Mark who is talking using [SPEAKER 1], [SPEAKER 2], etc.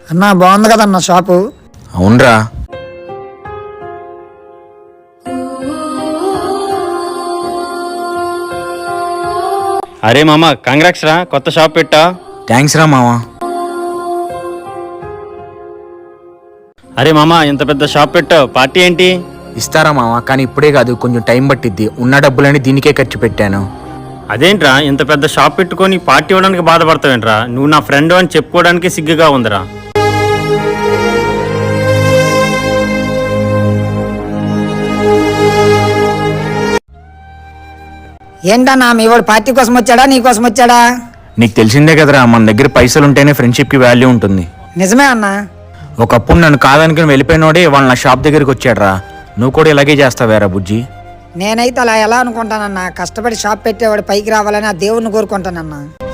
[SPEAKER 1] అన్నా బాగుంది కదన్నా షాపు.
[SPEAKER 2] అవునరా.
[SPEAKER 3] అరే మామ కంగ్రాట్స్ రా, కొత్త షాప్ పెట్టా.
[SPEAKER 2] థ్యాంక్స్ రా మావా.
[SPEAKER 3] అరే మామ ఇంత పెద్ద షాప్ పెట్టావు, పార్టీ ఏంటి?
[SPEAKER 2] ఇస్తారా మావా, కానీ ఇప్పుడే కాదు, కొంచెం టైం పట్టిద్ది. ఉన్న డబ్బులని దీనికే ఖర్చు పెట్టాను.
[SPEAKER 3] అదేంట్రా ఇంత పెద్ద షాప్ పెట్టుకొని పార్టీ ఇవ్వడానికి బాధపడతావేంట్రా? నువ్వు నా ఫ్రెండ్ అని చెప్పుకోవడానికి సిగ్గుగా ఉందిరా.
[SPEAKER 1] ఏంటన్నా మీ వాడు పార్టీ కోసం వచ్చాడా నీ కోసం వచ్చాడా?
[SPEAKER 2] నీకు తెలిసిందే కదరా, మన దగ్గర పైసలు ఉంటేనే ఫ్రెండ్షిప్కి వాల్యూ ఉంటుంది.
[SPEAKER 1] నిజమే అన్నా.
[SPEAKER 2] ఒకప్పుడు నన్ను కాదనుకుని వెళ్ళిపోయినోడే వాళ్ళ నా షాప్ దగ్గరికి వచ్చాడరా. నువ్వు కూడా ఇలాగే చేస్తావేరా బుజ్జి?
[SPEAKER 1] నేనైతే అలా ఎలా అనుకుంటానన్నా, కష్టపడి షాప్ పెట్టేవాడు పైకి రావాలని ఆ దేవుణ్ణి కోరుకుంటానన్నా.